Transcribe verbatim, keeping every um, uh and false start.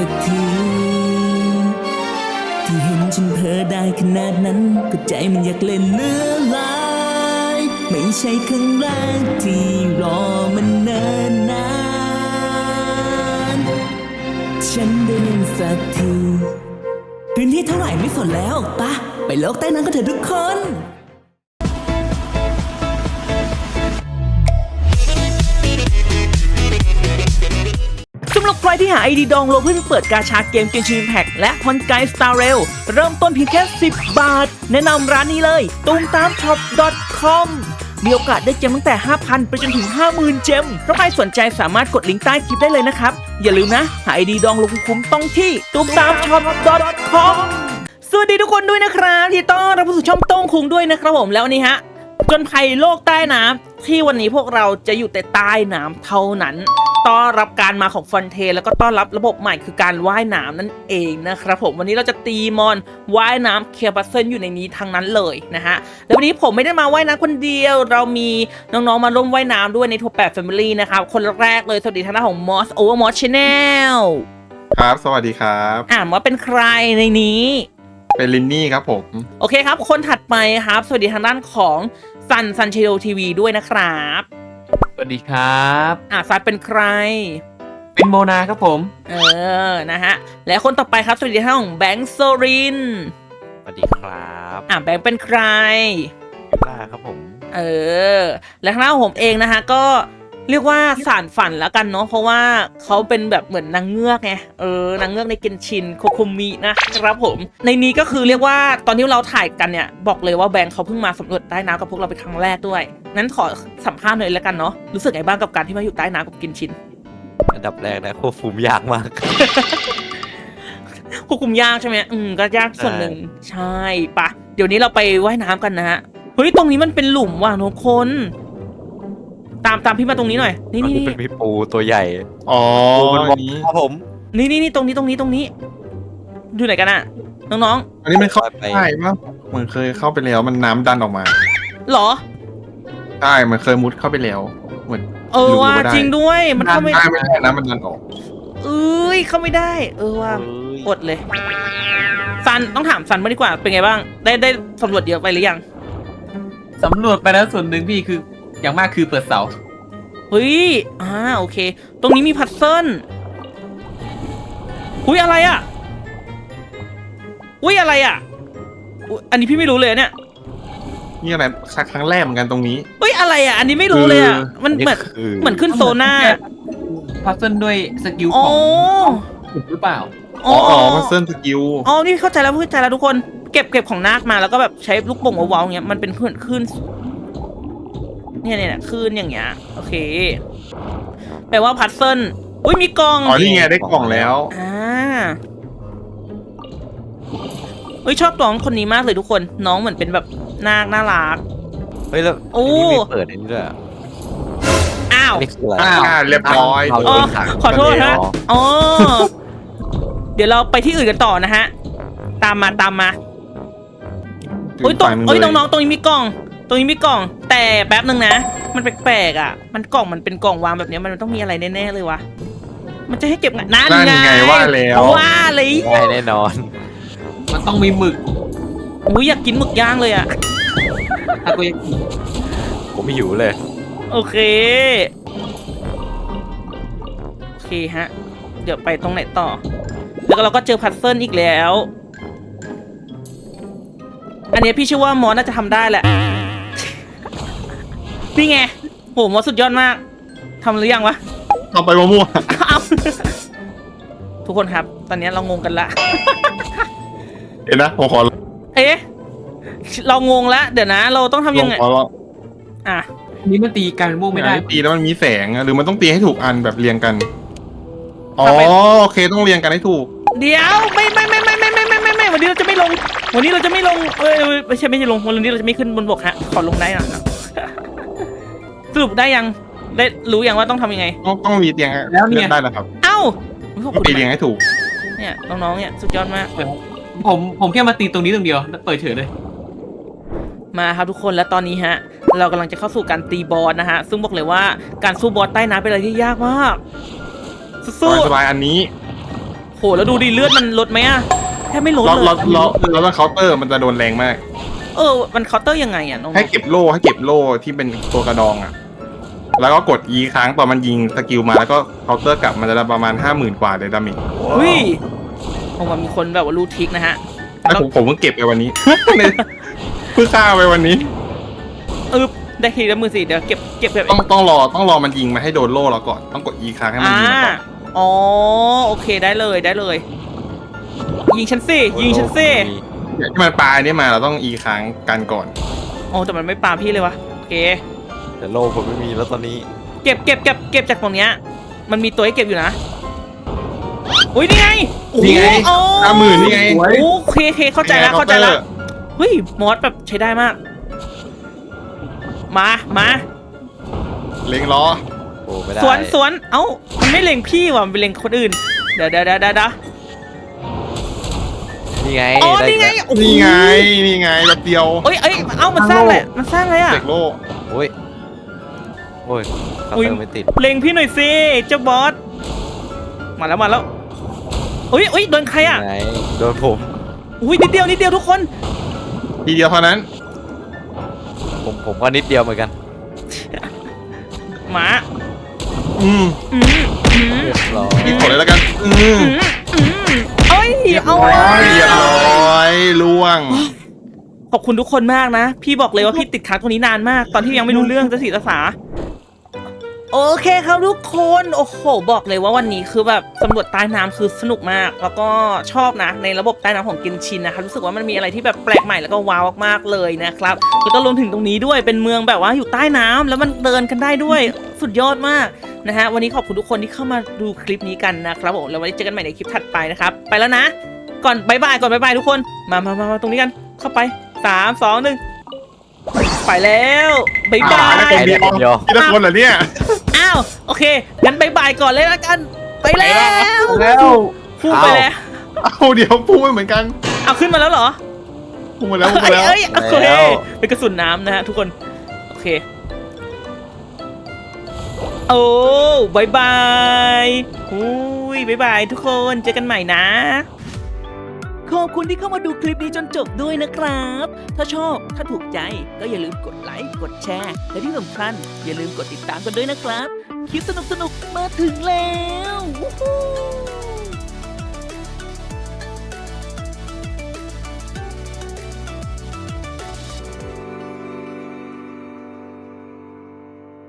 สักทีที่เห็นฉันเพ้อได้ขนาดนั้นก็ใจมันอยากเล่นเลือลายไม่ใช่ครั้งแรกที่รอมันเนิ่นนานฉันได้เล่นสักทีพื้นที่เท่าไหร่ไม่สนแล้วปะไปโลกใต้น้ำกันเถอะทุกคนสำหรับใครที่หาไอดีดองโลเพื่อไปเปิดกาชาเกมเกมชินแพ็กและพอนไกสตาร์เรลเริ่มต้นเพียงแค่สิบบาทแนะนำร้านนี้เลยตูมตามช็อป .com มีโอกาสได้เจมตั้งแต่ ห้าพัน ไปจนถึง ห้าหมื่น เจมเพราะใครสนใจสามารถกดลิงก์ใต้คลิปได้เลยนะครับอย่าลืมนะหาไอดีดองโลคุ้มๆต้องที่ตูมตามช็อป .com สวัสดีทุกคนด้วยนะครับที่ต้อนรับเข้าสู่ช่องโต้งคุงด้วยนะครับผมแล้ววันนี้ฮะจนภัยโลกใต้น้ำที่วันนี้พวกเราจะอยู่แต่ใต้น้ำเท่านั้นต้อนรับการมาของฟอนเทแล้วก็ต้อนรับระบบใหม่คือการว่ายน้ำนั่นเองนะครับผมวันนี้เราจะตีมอนว่ายน้ำเคลียร์บัสเซิลอยู่ในนี้ทั้งนั้นเลยนะฮะแล้ววันนี้ผมไม่ได้มาว่ายน้ำคนเดียวเรามีน้องๆมาร่วมว่ายน้ำด้วยในทัวร์แปด Family นะครับคนแรกเลยสวัสดีทางด้านของ Moss Over Moss Channel ครับสวัสดีครับอ่าว่าเป็นใครในนี้เป็นลินนี่ครับผมโอเคครับคนถัดไปครับสวัสดีทางด้านของซันซันเชโดทีวีด้วยนะครับสวัสดีครับอ่ะซันเป็นใครเป็นโมนาครับผมเออนะฮะและคนต่อไปครับสวัสดีทางของแบงค์โซรินสวัสดีครับอ่ะแบงค์เป็นใครยูล่าครับผมเออและทางด้านของผมเองนะฮะก็เรียกว่าสารฝันแล้วกันเนาะเพราะว่าเขาเป็นแบบเหมือนนางเงือกไงเออนางเงือกในเกนชินโคคุมินะครับผมในนี้ก็คือเรียกว่าตอนที่เราถ่ายกันเนี่ยบอกเลยว่าแบงค์เขาเพิ่งมาสำรวจใต้น้ำกับพวกเราเป็นครั้งแรกด้วยนั้นขอสัมภาษณ์หน่อยแล้วกันเนาะรู้สึกไงบ้างกับการที่มาอยู่ใต้น้ำกับเกนชินอันดับแรกนะควบคุมยากมากควบคุมยากใช่ไหมอืมก็ยากส่วนหนึ่งใช่ปะเดี๋ยวนี้เราไปว่ายน้ำกันนะฮะเฮ้ยตรงนี้มันเป็นหลุมว่ะทุกคนตามตามพี่มาตรงนี้หน่อยนี่นี่เป็นพี่ปูตัวใหญ่อ๋ออันนี้ครับผมนี่นี่นี่ตรงนี้ตรงนี้ตรงนี้อยู่ไหนกันอะน้องๆอันนี้มันเข้าไปได้มั้งมันเคยเข้าไปแล้วมันน้ำดันออกมาหรอใช่มันเคยมุดเข้าไปแล้วเหมือนเออว่าจริงด้วยมันเข้าไม่ได้ไม่ได้นะมันดันออกเอ้ยเข้าไม่ได้เออว่าอดเลยซันต้องถามซันมาดีกว่าเป็นไงบ้างได้ได้สำรวจเยอะไปหรือยังสำรวจไปแล้วส่วนหนึ่งพี่คืออย่างมากคือเปิดเสาเฮ้ยอ่าโอเคตรงนี้มีพัซเซิลอุ้ยอะไรอ่ะอุ้ยอะไรอ่ะอันนี้พี่ไม่รู้เลยเนี่ยนี่อะไรครั้งแรกเหมือนกันตรงนี้อุ้ยอะไรอ่ะอันนี้ไม่รู้เลยอ่ะมันเหมือนเหมือนขึ้นโซน่าพัซเซิลด้วยสกิลของหรือเปล่าอ๋ออ๋อพัซเซิลสกิลอ๋อนี่เข้าใจแล้วเข้าใจแล้วทุกคนเก็บเก็บของนาคมาแล้วก็แบบใช้ลูกโป่งว้าวๆเงี้ยมันเป็นขึ้นขึ้นเนี่ยเนี่ยคลื่นอย่างเงี้ยโอเคแปลว่าพัซเซิลอุ้ยมีกล่องอ๋อนี่ไงได้กล่องแล้วอ่าเฮ้ยชอบน้องคนนี้มากเลยทุกคนน้องเหมือนเป็นแบบน่าน่ารักเฮ้ยแล้วโอ้มีเปิดอันนี้ด้วยอ้าวอ้าวเรียบร้อยอ๋อขอโทษนะอ๋อเดี๋ยวเราไปที่อื่นกันต่อนะฮะตามมาตามมาเฮ้ยตรงเฮ้ยน้องๆตรงนี้มีกล่องตรงนี้มีกล่องแต่แป๊บนึงนะมันแปลกๆอ่ะมันกล่องมันเป็นกล่องวางแบบนี้มันต้องมีอะไรแน่ๆเลยวะมันจะให้เก็บงานนั่นไงว่าแล้วว่าเลยได้แน่นอนมันต้องมีหมึกอุ้ยอยากกินหมึกย่างเลยอ่ะถ้ากูอยากกินผมไม่หิวเลยโอเคโอเคฮะเดี๋ยวไปตรงไหนต่อแล้วก็เราก็เจอพัซเซิลอีกแล้วอันนี้พี่เชื่อว่ามอสน่าจะทำได้แหละนี่ไงโหมอสสุดยอดมากทำหรือยังวะทำไปมั่วทุกคนครับตอนนี้เรางงกันละเห็นนะผมขอเอ๊ะเรางงแล้วเดี๋ยวนะเราต้องทำยังไงอ่ะนี่มันตีกันม่วงไม่ได้ตีแล้วมันมีแสงหรือมันต้องตีให้ถูกอันแบบเรียงกันอ๋อโอเคต้องเรียงกันให้ถูกเดี๋ยวไม่ไม่ไม่ไม่ไม่ไม่ไม่ไม่ไม่วันนี้เราจะไม่ลงวันนี้เราจะไม่ลงเออไม่ใช่ไม่ใช่ลงวันนี้เราจะไม่ขึ้นบนบกฮะขอลงได้หน่อยสรุปได้ยังได้รู้ยังว่าต้องทำยังไงต้องต้องมีเตียงแล้วเนี่ยได้แล้วครับเอ้าตีเตียงให้ถูกเนี่ยน้องๆเนี่ยสุดยอดมากผมผมแค่มาตีตรงนี้ตรงเดียวแล้วเปิดเฉยเลยมาครับทุกคนแล้วตอนนี้ฮะเรากำลังจะเข้าสู่การตีบอสนะฮะซึ่งบอกเลยว่าการสู้บอสใต้น้ำเป็นอะไรที่ยากมากสู้สบายอันนี้โโหแล้วดูดิเลือดมันลดไหมอะแทบไม่ลดเราเลยเราเราเราต้องเคาน์เตอร์มันจะโดนแรงมากเออมันเคาน์เตอร์ยังไงอะน้องให้เก็บโล่ให้เก็บโล่ที่เป็นตัวกระดองอ่ะ แล้วก็กด E ค้างตอนมันยิงสกิลมาแล้วก็เคาน์เตอร์กลับมันจะได้ประมาณห้าหมื่นกว่าเลยดาเมจอุ้ยผมว่ามีคนแบบว่ารู้ทริคนะฮะแล้วผมผมเพิ่งเก็บไปวันนี้ เพิ่งฆ่าไปวันนี้เออได้ทีละมือสิเดี๋ยวเก็บเก็บแบบต้องต้องรอต้องรอมันยิงมาให้โดนโล่เราก่อนต้องกด E ค้างให้มันอ่ายิงมาก่อนอ๋อโอเคได้เลยได้เลย ยิงฉันสิยิงฉันสิเนี่ยที่มันปลายนี่มาเราต้อง E ค้างกันก่อนโอ้แต่มันไม่ปาพี่เลยวะโอเคแต่โลผมไม่มีแล้วตอนนี้เก็บเก็บเก็บเก็บจากตรงเนี้ยมันมีตัวให้เก็บอยู่นะอุ้ยนี่ไงโอ้โหนี่ไงโอ้ห้าหมื่นนี่ไงโอเคโอเคเข้าใจแล้วเข้าใจแล้วเฮ้ยมอสแบบใช้ได้มาก มามาเล็งล้อโอ้ไม่ได้สวนสวนเอ้ามันไม่เล็งพี่ว่ะมันไปเล็งคนอื่นเดี๋ยวเดี๋ยวเดี๋ยวเดี๋ยวนี่ไงอ๋อด้นี่ไงแล้วโอ้โหนี่ไงนี่ไงแบบเดียวเอ้ยเอ้ยเอ้ามันสร้างแหละมันสร้างอะไรอ่ะเสกโล่โอ้ยโอ้ยเขาอุ๊ยเติมไม่ติดเล็งพี่หน่อยสิเจ้าบอสมาแล้วมาแล้วอุ้ยอุ้ยโดนใครอ่ะไหนโดนผมอุ้ยนิดเดียวนิดเดียวทุกคนทีเดียวเท่านั้นผมผมก็นิดเดียวเหมือนกันหมาอืมอืมอืมเรียบร้อยนี่ขอเลยแล้วกัน อืมอืมอืมเอ้ยเอาเรียบร้อยล่วงขอบคุณทุกคนมากนะ พี่บอกเลยว่าพี่ติดค้างตรงนี้นานมาก ตอนที่ยังไม่รู้เรื่องจะสีภาษาโอเคครับทุกคนโอ้โหบอกเลยว่าวันนี้คือแบบสำรวจใต้น้ำคือสนุกมาก แล้วก็ชอบนะในระบบใต้น้ำของเกนชินนะคะรู้สึกว่ามันมีอะไรที่แบบแปลกใหม่แล้วก็ว้าวมากๆเลยนะครับแล้วก็รวมถึงตรงนี้ด้วยเป็นเมืองแบบว่าอยู่ใต้น้ำแล้วมันเดินกันได้ด้วยสุดยอดมากนะฮะวันนี้ขอบคุณทุกคนที่เข้ามาดูคลิปนี้กันนะครับผมแล้วไว้เจอกันใหม่ในคลิปถัดไปนะครับไปแล้วนะ ก่อนบายบายก่อนบายบายทุกคนมามามามาตรงนี้กันเข้าไปสามสองหนึ่งไปแล้วบายบาอ่าแล้วยคนเดียวเดียวทีละคนเหรอเนี่ยอ้าวโอเคงั้นบายบายก่อนเลยละกัน ไปแล้วแล้วพุ่งไปแล้วเอาเดี๋ยวพูดเหมือนกันเอาขึ้นมาแล้วเหรอพูดมาแล้วพูดเอ้มาย แล้วเอ้ยโอเคเป็นกระสุนน้ำนะฮะทุกคนโอเคโอ้บายบายอุ้ยบายบายทุกคนเจอกันใหม่นะขอบคุณที่เข้ามาดูคลิปนี้จนจบด้วยนะครับ ถ้าชอบถ้าถูกใจก็อย่าลืมกดไลค์กดแชร์และที่สำคัญอย่าลืมกดติดตามกันด้วยนะครับ คลิปสนุกๆมาถึงแล้ววู้ฮู้